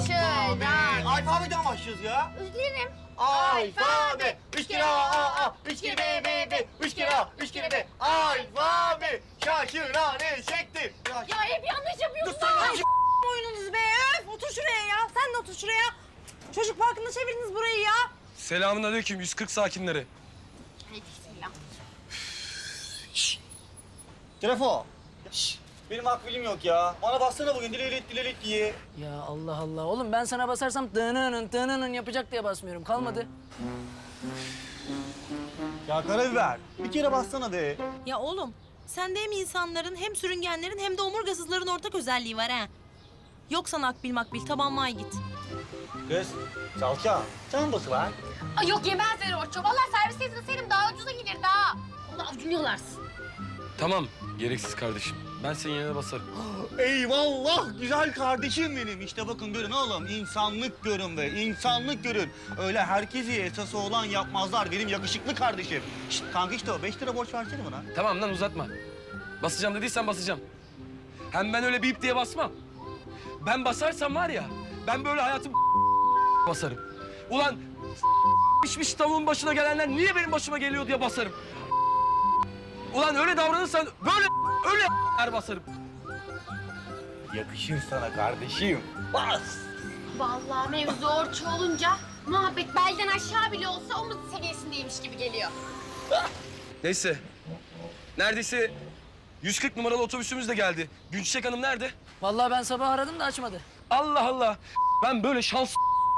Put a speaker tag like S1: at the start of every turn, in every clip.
S1: Taşıran.
S2: Alfabeden başlıyoruz ya.
S1: Üzülürüm.
S2: Alfabe. 3 kere A, 3 kere B, 3 kere A, 3 kere B. Alfabe. Şaşıran eşektir.
S1: Ya hep yanlış yapıyorsun.
S3: oyununuz be. Öf, otur şuraya ya. Sen de otur şuraya. Çocuk parkında çevirdiniz burayı ya.
S4: Selamünaleyküm 140 sakinleri.
S1: Bismillah.
S2: Telefon. Benim akbilim yok ya. Bana bassana bugün dilelik diye.
S5: Ya Allah Allah. Oğlum ben sana basarsam tınının yapacak diye basmıyorum. Kalmadı.
S2: Ya karabiber. Bir kere bassana be.
S3: Ya oğlum, sende hem insanların hem sürüngenlerin hem de omurgasızların ortak özelliği var ha. Yok sana akbil makbil, tabanmaya git.
S2: Kız, salça. Sen bası var.
S1: Ay yok yemezler Orço. Vallahi servise izleseydim daha ucuza gelirdi ha. Onu avucunu yalarsın.
S4: Tamam gereksiz kardeşim. Ben senin yerine basarım.
S2: Eyvallah güzel kardeşim benim. İşte bakın görün oğlum. İnsanlık görün be. İnsanlık görün. Öyle herkesi esası olan yapmazlar. Benim yakışıklı kardeşim. Şşt kanka işte o. 5 lira borç versene bana.
S4: Tamam lan uzatma. Basacağım dediysen basacağım. Hem ben öyle bip diye basmam. Ben basarsam var ya, ben böyle hayatım basarım. Ulan pişmiş tavuğun başına gelenler niye benim başıma geliyor diye basarım. Ulan öyle davranırsan öyle basarım.
S2: Yakışır sana kardeşim. Bas.
S1: Vallahi mevzu Orço olunca muhabbet belden aşağı bile olsa omuz seviyesindeymiş gibi geliyor.
S4: Neyse. Neredeyse 140 numaralı otobüsümüz de geldi. Gülçiçek Hanım nerede?
S5: Vallahi ben sabah aradım da açmadı.
S4: Allah Allah. Ben böyle şans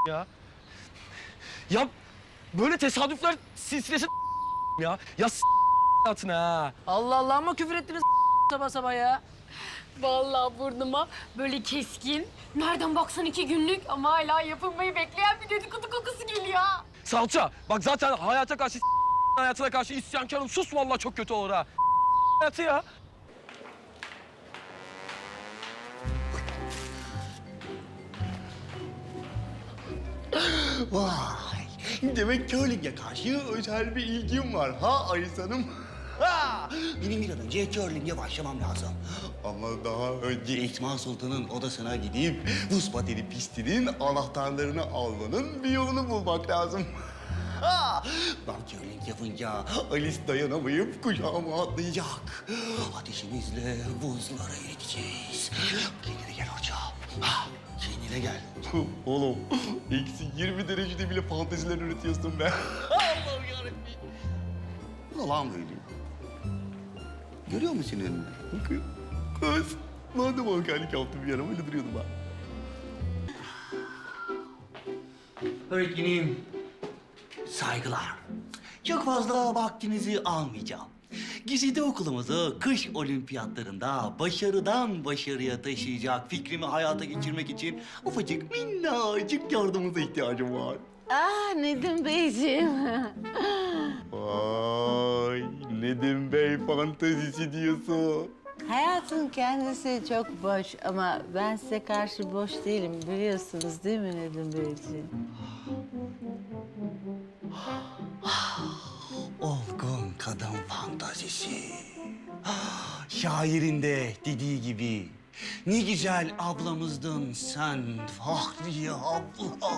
S4: ya böyle tesadüfler silsilesi ya. Ya hayatına ha.
S5: Allah Allah ama küfür ettiniz sabah sabah ya.
S1: Vallahi burnuma böyle keskin, nereden baksan 2 günlük ama hala yapılmayı bekleyen bir dedikodu kokusu geliyor.
S4: Salça. Bak zaten hayata karşı hayatına karşı isyankarım. Sus vallahi çok kötü olur ha. Hayatı ya.
S2: Vay. Demek curling'e karşı özel bir ilgim var ha Ayşe Hanım. Ha! Benim bir an önce curling'e başlamam lazım. Ama daha önce Esma Sultan'ın odasına gidip buz pateni pistinin anahtarlarını almanın bir yolunu bulmak lazım. Ha! Ben curling yapınca Alice dayanamayıp kucağıma atlayacak. Ateşimizle buzları eriteceğiz. Kendine gel hocam. Ha! Kendine gel. Oğlum, eksi 20 derecede bile fanteziler üretiyorsun be. Allah'ım yarabbim. Bu ne lan böyle? Görüyor musun önünü? Bakın. Kız. Ben de mankenlik yaptım bir ara. Öyle duruyordum ben. Öğretmenim. Saygılar. Çok fazla vaktinizi almayacağım. Güzide okulumuzu kış olimpiyatlarında başarıdan başarıya taşıyacak fikrimi hayata geçirmek için ufacık minnacık yardımınıza ihtiyacım var.
S6: Nedim Beyciğim.
S2: Vay Nedim Bey fantezisi diyorsun.
S6: Hayatın kendisi çok boş ama ben size karşı boş değilim biliyorsunuz değil mi Nedim Beyciğim?
S2: Olgun kadın fantazisi. Şairin de dediği gibi. Ne güzel ablamızdın sen Fahriye abla.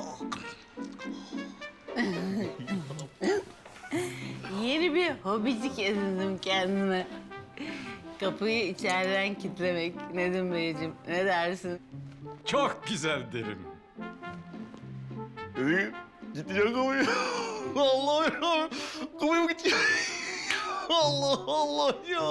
S6: Yeni bir hobicik edindim kendime. Kapıyı içeriden kilitlemek Nedim Beyciğim. Ne dersin?
S7: Çok güzel derim.
S2: Gideceğim kapıyı. Allah ya. Kapıyı mı gideceğim? Allah Allah ya.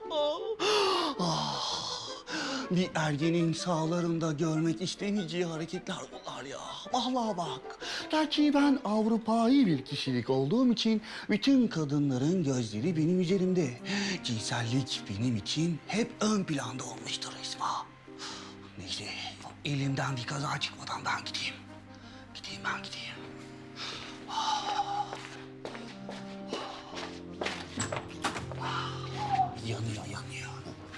S2: Ah, bir ergenin sağlarında görmek istemeyeceği hareketler bunlar ya. Vallahi bak. Gerçi ben Avrupa'yı bir kişilik olduğum için bütün kadınların gözleri benim üzerimde. Cinsellik benim için hep ön planda olmuştur Esma. Neyse elimden bir kaza çıkmadan ben gideyim. Ben gideyim. Yanıyor.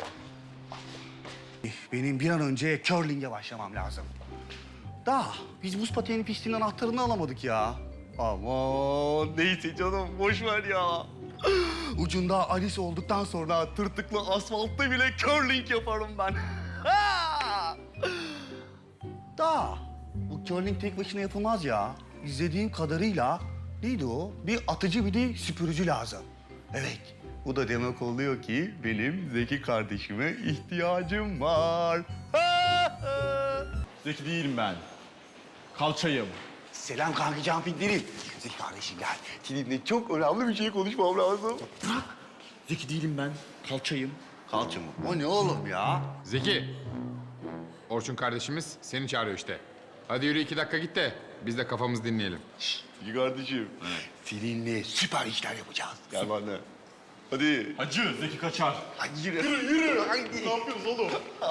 S2: Benim bir an önce curling'e başlamam lazım. Biz buz pateni pistinin anahtarını alamadık ya. Aman neyse canım boş ver ya. Ucunda Alice olduktan sonra tırtıklı asfaltta bile curling yaparım ben. Bu curling tek başına yapılmaz ya. İzlediğim kadarıyla neydi o? Bir atıcı bir de süpürücü lazım. Evet, bu da demek oluyor ki benim Zeki kardeşime ihtiyacım var.
S7: Zeki değilim ben. Kalçayım.
S2: Selam kanka Campinglerim. Zeki kardeşim gel. Seninle çok önemli bir şey konuşmam lazım.
S7: Zeki değilim ben. Kalçayım.
S2: Kalça mı? O ne oğlum ya?
S8: Zeki. Orçun kardeşimiz seni çağırıyor işte. Hadi yürü 2 dakika git de biz de kafamızı dinleyelim.
S2: Zeki kardeşim. Seninle süper işler yapacağız. Gel bana. Hadi.
S7: Hacı Zeki kaçar.
S2: Hadi yürü. Yürü. Hadi.
S7: Ne yapıyoruz oğlum?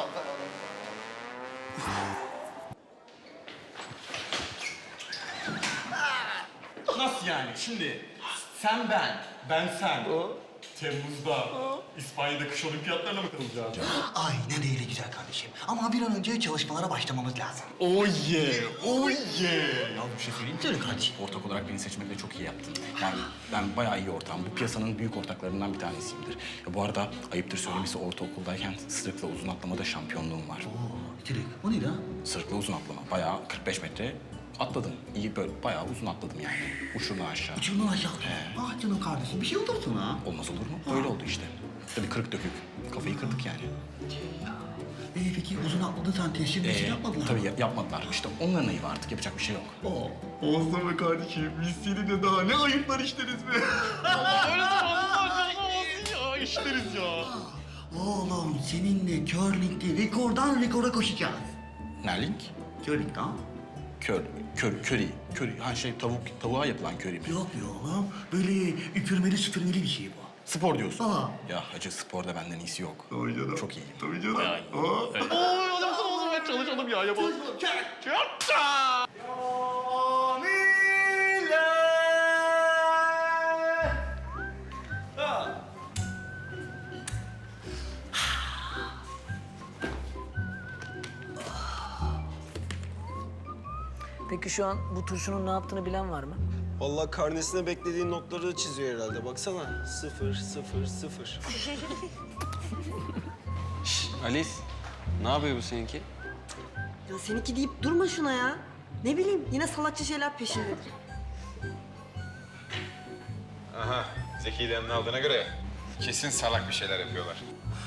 S7: Nasıl yani? Şimdi sen ben sen. Temmuz'da İspanya'da kış olimpiyatlarına mı katılacağız?
S2: Aynen öyle güzel kardeşim. Ama bir an önce çalışmalara başlamamız lazım.
S7: Oh yeah, oh yeah.
S9: Ya bir şey söyleyeyim mi?
S2: Söyle kardeşim.
S9: Ortak olarak beni seçmekle çok iyi yaptın. Yani ben bayağı iyi ortağım. Bu piyasanın büyük ortaklarından bir tanesiyimdir. Ya bu arada ayıptır söylemesi ortaokuldayken sırıkla uzun atlamada şampiyonluğum var.
S2: Direkt. O neydi ha?
S9: Sırıkla uzun atlama. Bayağı 45 metre atladım. İyi böyle bayağı uzun atladım yani. Uçurumdan aşağı.
S2: Uçurumdan aşağı. Ah canım kardeşim bir şey olur sana.
S9: Olmaz olur mu? Öyle oldu işte. Tabii kırık dökük. Kafayı kırdık yani.
S2: Peki uzun atladın sen teslim bir şey yapmadılar.
S9: Tabii yapmadılar. İşte onların ayıbı artık. Yapacak bir şey yok.
S2: Olsun be kardeşim. Biz seninle daha ne ayıplar işleriz be.
S7: Ya işleriz ya.
S2: Oğlum seninle curling'de rekordan rekora koşacağız.
S9: Nerling?
S2: Curling ha?
S9: Köri. Ha şey tavuğa yapılan köri mi?
S2: Yok be oğlum. Böyle üpürmeli süpürmeli bir şey bu.
S9: Spor diyorsun.
S2: Aa.
S9: Ya hacı sporda benden iyisi yok.
S2: Tabii canım.
S9: Çok iyiyim.
S2: Tabii canım.
S9: Bayağı iyi.
S7: Çalışalım ya yapalım.
S5: Peki şu an bu turşunun ne yaptığını bilen var mı?
S10: Vallahi karnesine beklediğin notları çiziyor herhalde. Baksana. 0, 0, 0.
S11: Alice, ne yapıyor bu seninki?
S12: Ya seninki deyip durma şuna ya. Ne bileyim yine salakça şeyler peşindedir.
S8: Aha, Zeki'yi de yanına aldığına göre kesin salak bir şeyler yapıyorlar.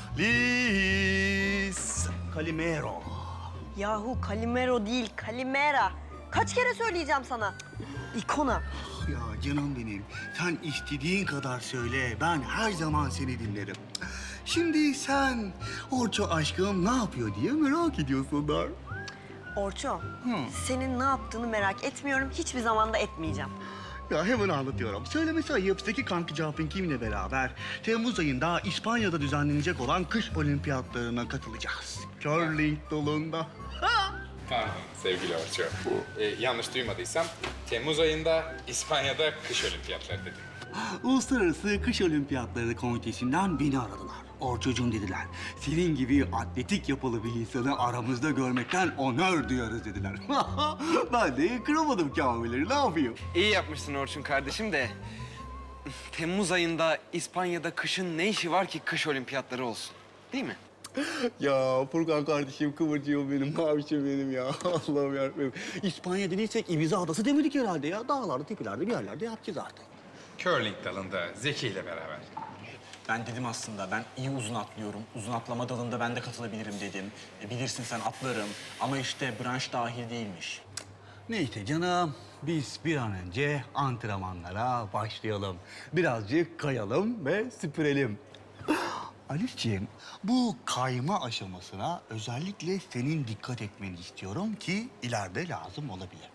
S2: Liz Calimero.
S12: Yahu Calimero değil Calimera. Kaç kere söyleyeceğim sana? İkona.
S2: Ya canım benim, sen istediğin kadar söyle. Ben her zaman seni dinlerim. Şimdi sen Orço aşkım ne yapıyor diye merak ediyorsunlar.
S12: Orço, senin ne yaptığını merak etmiyorum. Hiçbir zaman da etmeyeceğim.
S2: Ya hemen anlatıyorum. Söylemesi ayıp Zeki kanka Jumping'imle beraber Temmuz ayında İspanya'da düzenlenecek olan kış olimpiyatlarına katılacağız. Curling dalında.
S8: Pardon sevgili Orçun. Yanlış duymadıysam Temmuz ayında İspanya'da kış olimpiyatları dedim.
S2: Uluslararası Kış Olimpiyatları Komitesi'nden beni aradılar. Orçucuğum dediler. Senin gibi atletik yapılı bir insanı aramızda görmekten onur duyarız dediler. Ben de kıramadım kamileri. Ne yapayım?
S11: İyi yapmışsın Orçun kardeşim de... Temmuz ayında İspanya'da kışın ne işi var ki kış olimpiyatları olsun? Değil mi?
S2: Ya Furkan kardeşim, kıvırcığım benim, mavişim benim ya. Allah'ım yarabbim. İspanya dediysek Ibiza adası demedik herhalde ya. Dağlarda, tepelerde bir yerlerde yapacağız artık.
S8: Curling dalında Zeki ile beraber.
S9: Ben dedim aslında ben iyi uzun atlıyorum. Uzun atlama dalında ben de katılabilirim dedim. Bilirsin sen atlarım ama işte branş dahil değilmiş.
S2: Neyse canım, biz bir an önce antrenmanlara başlayalım. Birazcık kayalım ve süpürelim. Alifciğim, bu kayma aşamasına özellikle senin dikkat etmeni istiyorum ki ileride lazım olabilir.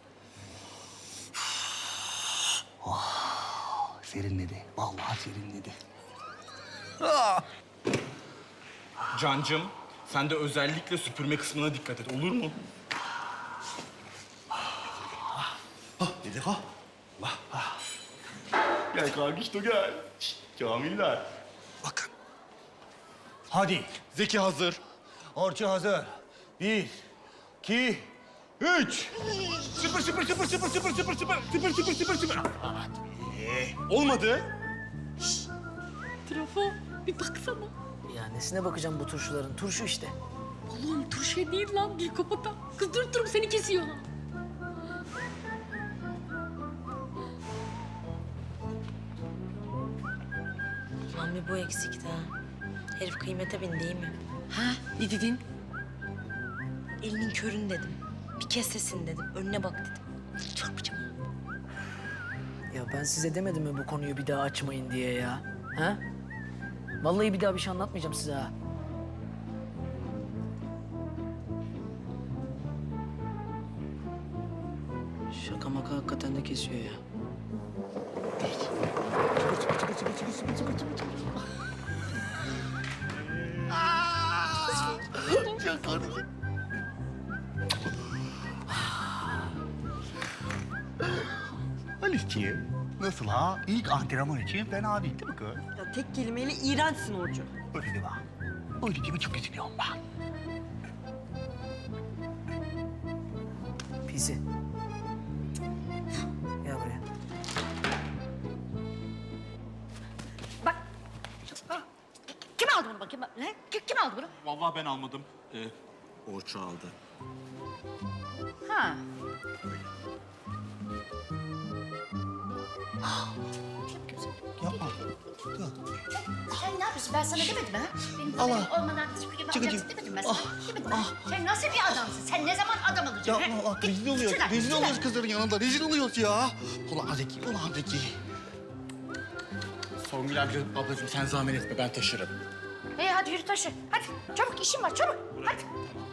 S2: Oh, serinledi, vallahi serinledi.
S7: Cancım, sen de özellikle süpürme kısmına dikkat et, olur mu?
S2: Dedi ha. Gel kardeşim gel. Şişt, Kamiller. Bakın. Hadi.
S7: Zeki hazır.
S2: Orçu hazır. 1, 2, 3.
S7: Süpür. Olmadı.
S1: Trafo bir baksana.
S5: Ya nesine bakacağım bu turşuların? Turşu işte.
S1: Oğlum turşu değil lan bir kopata. Kız durup seni kesiyor lan.
S3: Bir bu eksikti ha. Herif kıymete bindi değil mi?
S1: Ha, ne dedin?
S3: Elinin körün dedim. Bir kez sesini dedim. Önüne bak dedim. Çarpacağım.
S5: Ya ben size demedim mi bu konuyu bir daha açmayın diye ya? Ha? Vallahi bir daha bir şey anlatmayacağım size ha. Şaka maka hakikaten de kesiyor ya.
S2: Alice'ciğim, nasıl ha? İlk antrenman için fena değil mi kız?
S12: Ya tek kelimeyle iğrençsin Orçu.
S2: Öyle deme. Öyle değil mi? Çok üzülüyorum ben.
S5: Pisi. Gel buraya.
S6: Bak. Kim aldı bunu bakayım? Ne? Kim aldı bunu?
S9: Vallahi ben almadım. Orçu aldı.
S6: Ha.
S2: Yapma.
S6: Sen ne yapıyorsun? Ben sana demedim mi, ha? Benim haberim olmadan süpürge alacaksın demedim ben sana. Demedim mi? Sen nasıl bir adamsın? Sen ne zaman adam olacaksın?
S2: Yapma bak, rezil oluyoruz. Rezil oluyoruz kızların yanında. Rezil oluyoruz ya. Ulan Zeki, ulan Zeki.
S9: Songül ablacığım sen zahmet etme ben taşırım.
S6: Hadi yürü taşı. Hadi çabuk işim var çabuk. Hadi.